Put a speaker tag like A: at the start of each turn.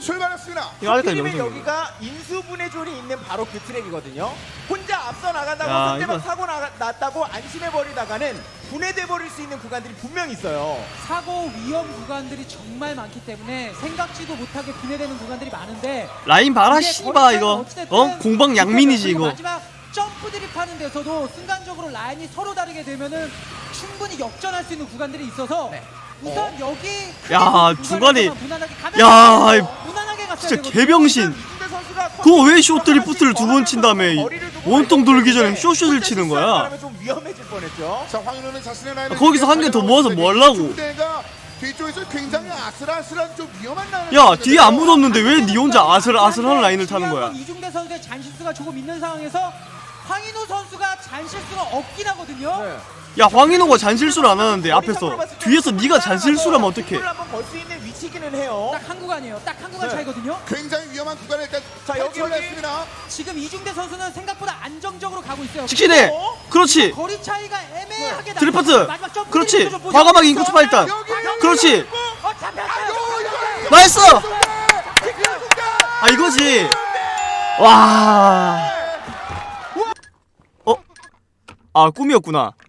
A: 출발했습니다.
B: 이거 아직까지
C: 하필이면
B: 명중이에요.
C: 여기가 인수분해 존이 있는 바로 그 트랙이거든요. 혼자 앞서 나간다고
B: 야,
C: 상대방
B: 이거-
C: 사고 났다고 안심해버리다가는 분해돼 버릴 수 있는 구간들이 분명히 있어요.
D: 사고 위험 구간들이 정말 많기 때문에 생각지도 못하게 분해되는 구간들이 많은데
B: 라인 봐라
D: 이게
B: 씨바
D: 거리차이가
B: 이거
D: 어찌됐든
B: 공방 양민이지
D: 그리고
B: 이거.
D: 마지막 점프 드립하는 데서도 순간적으로 라인이 서로 다르게 되면은 충분히 역전할 수 있는 구간들이 있어서
C: 네.
D: 우선 여기
B: 야, 중간에-
D: 무난하게 가면
B: 야,
D: 무난하게 갔어야
B: 진짜
D: 되거든요.
B: 개병신.
C: 이중대 선수가
B: 그거 왜 쇼 트리프트를 두 번 친 다음에
C: 거리를 두고
B: 원통 돌기 전에
C: 있는데
B: 쇼슛을 치는 거야?
C: 혼자 좀 위험해질 뻔했죠.
A: 자, 황인호는 자신의 라인을
B: 거기서 한 개 더 모아서 뭐 하려고?
A: 중대가 뒤쪽에서 굉장히 아슬아슬한 좀 위험한 라인을
B: 야
A: 치는데요.
B: 뒤에 안 묻었는데 왜 니 혼자 아슬아슬한 라인을 타는 거야?
D: 이중대 선수의 잔실수가 조금 있는 상황에서 황인호 선수가 잔실수가 없긴 하거든요.
C: 네.
B: 야 황인호가 잔실수를 안 하는데 앞에서 뒤에서 네가 잔실수라면 어떡해?
C: 한번 걸 수 있는 위치기는 해요.
D: 딱 한 구간이에요. 딱 한 구간
C: 네.
D: 차이거든요.
A: 굉장히 위험한 구간에 일단
C: 자, 여기,
A: 탈출했습니다.
D: 지금 이중대 선수는 생각보다 안정적으로 가고 있어요.
B: 직신해. 그렇지.
D: 거리 차이가 애매하게
B: 드리프트.
D: 나서 마지막 점프
B: 그렇지.
D: 드리프트 좀 보죠.
B: 과감하게 인코스 파 일단. 그렇지.
D: 잡혔어요.
B: 나이스. 아 이거지. 와. 아 꿈이었구나.